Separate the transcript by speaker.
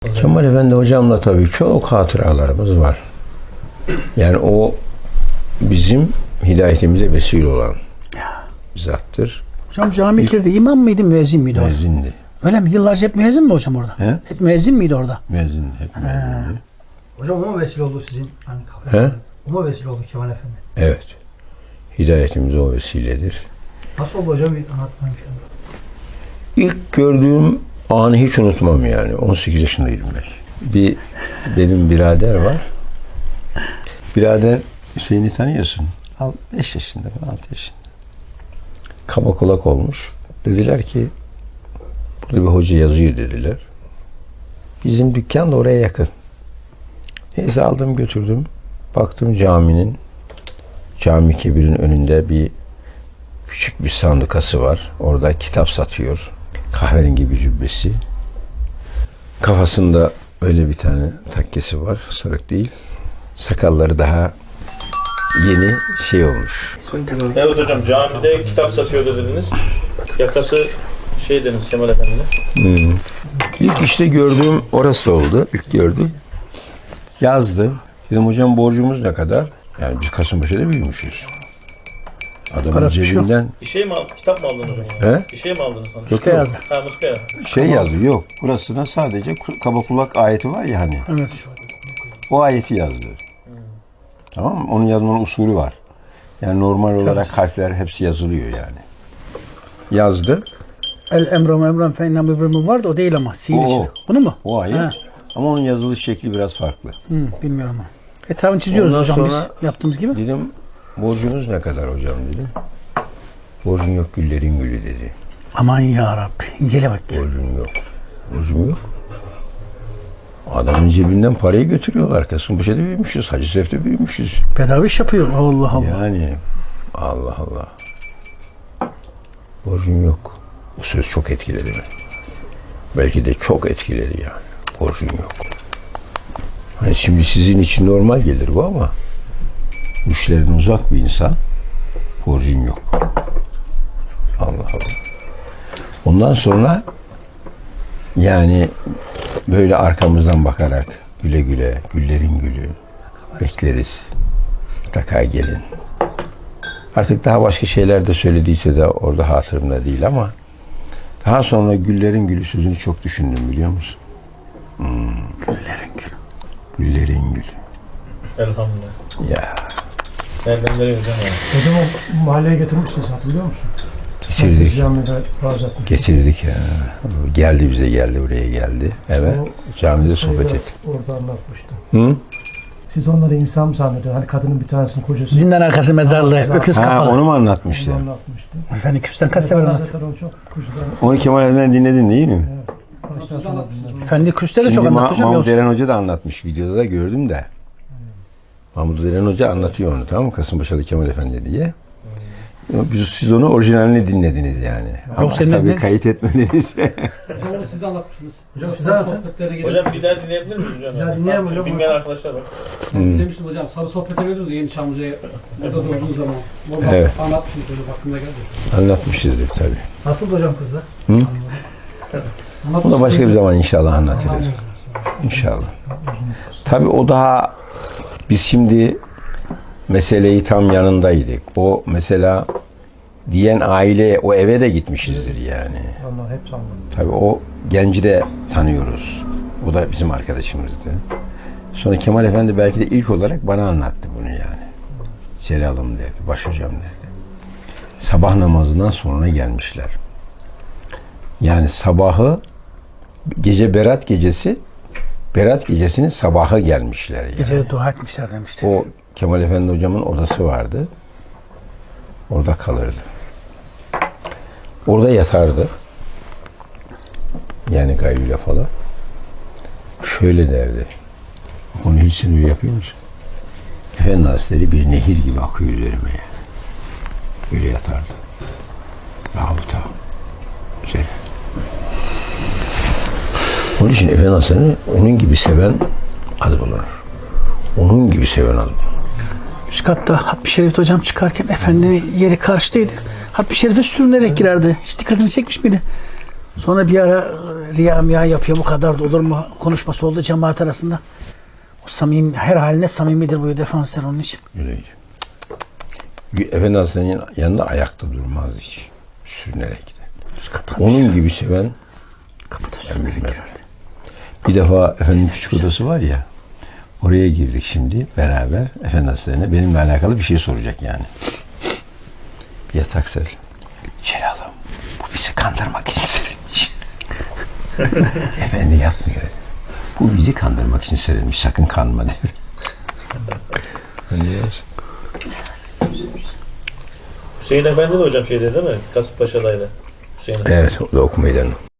Speaker 1: Kemal Efendi hocamla tabii çok hatıralarımız var. Yani o bizim hidayetimize vesile olan zattır.
Speaker 2: Hocam camilerde imam mıydı, müezzin miydi orada?
Speaker 1: Müezzindi.
Speaker 2: Öyle mi? Yıllarca hep müezzin mi hocam orada?
Speaker 1: He?
Speaker 2: Hep müezzin miydi orada?
Speaker 1: Müezzindi, hep müezzindi.
Speaker 3: Hocam o mu vesile oldu sizin? Hani
Speaker 1: He?
Speaker 3: o mu vesile oldu Kemal Efendi?
Speaker 1: Evet. Hidayetimiz o vesiledir.
Speaker 3: Nasıl oldu hocam? Bir anlatmayın.
Speaker 1: İlk gördüğüm anı hiç unutmam yani. 18 yaşındaydım belki. Benim birader var. Birader Hüseyin'i tanıyorsun. 5 yaşında falan, 6 yaşında. Kaba kulak olmuş. Dediler ki burada bir hoca yazıyor dediler. Bizim dükkan da oraya yakın. Neyse aldım götürdüm. Baktım Cami Kebir'in önünde bir küçük bir sandukası var. Orada kitap satıyor. Kahverengi bir cübbesi. Kafasında öyle bir tane takkesi var. Sarık değil. Sakalları daha yeni şey olmuş.
Speaker 4: Evet hocam, camide kitap satıyor dediniz. Yakası şey dediniz Kemal Efendi'ne.
Speaker 1: İlk işte gördüğüm orası oldu. İlk gördüm. Yazdı. Dedim hocam borcumuz ne kadar? Yani biz Kasımpaşa'da büyümüşüz. Adamın
Speaker 2: Parası bir şey yok.
Speaker 1: cebinden
Speaker 4: Bir şey mi kitap mı aldınız hocam?
Speaker 1: He?
Speaker 4: Bir şey mi aldınız sanırım?
Speaker 1: Yok,
Speaker 2: yazdı.
Speaker 4: Ha, muska yazdı.
Speaker 1: şey yazdı. Yok. Burasına sadece kaba kulak ayeti var ya hani.
Speaker 2: Evet.
Speaker 1: O ayeti yazdı. Tamam mı? Onun yazmanın usulü var. Yani normal olarak harfler hepsi yazılıyor yani. Yazdı.
Speaker 2: El emram fe innem ibrimu vardı, o değil ama.
Speaker 1: O.
Speaker 2: Bunu mu?
Speaker 1: O ayet.
Speaker 2: Ha.
Speaker 1: Ama onun yazılış şekli biraz farklı.
Speaker 2: Bilmiyorum ama. Etrafını çiziyoruz
Speaker 1: Ondan
Speaker 2: hocam
Speaker 1: sonra
Speaker 2: biz yaptığımız gibi.
Speaker 1: Dedim borcunuz ne kadar hocam dedim. Borcun yok güllerin gülü dedi.
Speaker 2: Aman ya Rabbi. İncele bak.
Speaker 1: Borcum yok. Borcum yok. Adamın cebinden parayı götürüyorlar. Kasımpaşa'da büyümüşüz. Hacı Sef'te büyümüşüz.
Speaker 2: Bedava iş yapıyor. Allah Allah.
Speaker 1: Yani Allah Allah. Borcum yok. Bu söz çok etkiledi beni. Belki de çok etkiledi yani. Borcum yok. Hani şimdi sizin için normal gelir bu ama müşteriden uzak bir insan borcun yok. Allah Allah. Ondan sonra yani böyle arkamızdan bakarak güle güle, güllerin gülü bekleriz. Mutlaka gelin. Artık daha başka şeyler de söylediyse de orada hatırımda değil ama daha sonra güllerin gülü sözünü çok düşündüm biliyor musun?
Speaker 2: Güllerin gülü.
Speaker 1: Güllerin gülü.
Speaker 4: Elhamdülillah.
Speaker 1: Ya
Speaker 4: Nereden nereye hocam ya?
Speaker 3: Hocam o mahalleye getirmiştiniz, hatırlıyor musun?
Speaker 1: getirdik.
Speaker 3: Camide vaaz etmiş.
Speaker 1: Getirdik ya. Geldi bize geldi buraya geldi. Evet. Camide sohbet ettik.
Speaker 3: Orada anlatmıştı.
Speaker 1: Hı?
Speaker 3: Siz onları insan mı zannediyorsunuz? Hani kadının bir tanesinin kocası.
Speaker 2: Zindan arkası mezarlığı. Öküz
Speaker 1: Ha,
Speaker 2: kafalı.
Speaker 1: onu mu anlatmıştı?
Speaker 3: Onu anlatmıştı.
Speaker 2: Efendim küsten kaç sefer anlattı.
Speaker 3: Zaten o çok kuzudan
Speaker 1: Onu Kemal Efendi'den dinledin değil mi?
Speaker 3: baştan sona dinledim.
Speaker 2: Efendi küste de
Speaker 1: Şimdi
Speaker 2: çok anlattı hocam.
Speaker 1: Mahmut
Speaker 2: Yavuz.
Speaker 1: Eren Hoca da anlatmış. Videoda da gördüm de. Mahmut Eren Hoca anlatıyor onu, tamam mı? Kasımpaşalı Kemal Efendi diye. Siz onu orijinalini dinlediniz yani. Ama
Speaker 2: senin
Speaker 1: tabii
Speaker 2: ne?
Speaker 1: kayıt etmediniz.
Speaker 5: Hocam onu siz de anlatmıştınız.
Speaker 3: Hocam siz de anlatın.
Speaker 5: Sohbetlere gelip
Speaker 4: Hocam bir daha dinleyebilir miyiz hocam?
Speaker 3: Ya dinleyelim hocam.
Speaker 4: Bilmeyen arkadaşlar var.
Speaker 5: dinlemiştim hocam. Sarı sohbete veriyoruz ya Yeni Çamlıca'ya. Burada durduğu zaman. Orada
Speaker 1: Evet.
Speaker 5: anlatmışsınız hocam. Aklımda geldi.
Speaker 1: Anlatmışızdır tabii.
Speaker 3: Nasıl hocam kızlar?
Speaker 1: Onu da başka bir zaman inşallah anlatırız. İnşallah. Tabii o daha biz şimdi meseleyi tam yanındaydık. O mesela diyen aile o eve de gitmişizdir yani.
Speaker 3: Onlar hep sandım.
Speaker 1: Tabii o genci de tanıyoruz. O da bizim arkadaşımızdı. Sonra Kemal Efendi belki de ilk olarak bana anlattı bunu yani. Celal'ım derdi, başhocam derdi. Sabah namazından sonra gelmişler. Yani sabahı, gece Berat gecesi, Berat gecesinin sabahı gelmişler yani.
Speaker 2: Gecede dua etmişler demişti.
Speaker 1: O Kemal Efendi hocamın odası vardı. Orada kalırdı. Orada yatardı. Yani gayyule falan. Şöyle derdi. Onu hiç sen öyle yapıyor musun? Efendi Hazretleri bir nehir gibi akıyor üzerime yani. Öyle yatardı. Rahuta. Güzel. Onun için Efendi Hazretleri onun gibi seven az bulunur. Onun gibi seven az bulunur.
Speaker 2: Üst katta Hatmi Şerif hocam çıkarken efendinin yeri karşıdaydı. Hatmi Şerif'e sürünerek girerdi. Hiç dikkatini çekmiş miydi? Sonra bir ara riya miya yapıyor, bu kadar da olur mu konuşması oldu cemaat arasında. O samimi, her haline samimidir bu defanslar onun için.
Speaker 1: Öyle. Efendi Hazretleri'nin yanında ayakta durmaz hiç. Sürünerek gider.
Speaker 2: Üst kattan
Speaker 1: Onun gibi seven
Speaker 2: kapatır.
Speaker 1: bir defa efendim küçük odası var ya, oraya girdik şimdi beraber. Efendi Hazretleri'ne benimle alakalı bir şey soracak yani. Yatak ser. Celal'ım, bu bizi kandırmak için serilmiş. Efendi yatmıyor. Bu bizi kandırmak için serilmiş. Sakın kanma dedi.
Speaker 4: Hüseyin Efendi de hocam şeyde değil mi? Kasımpaşa'daydı. Hüseyin Efendi.
Speaker 1: Evet, o da ok meydanı.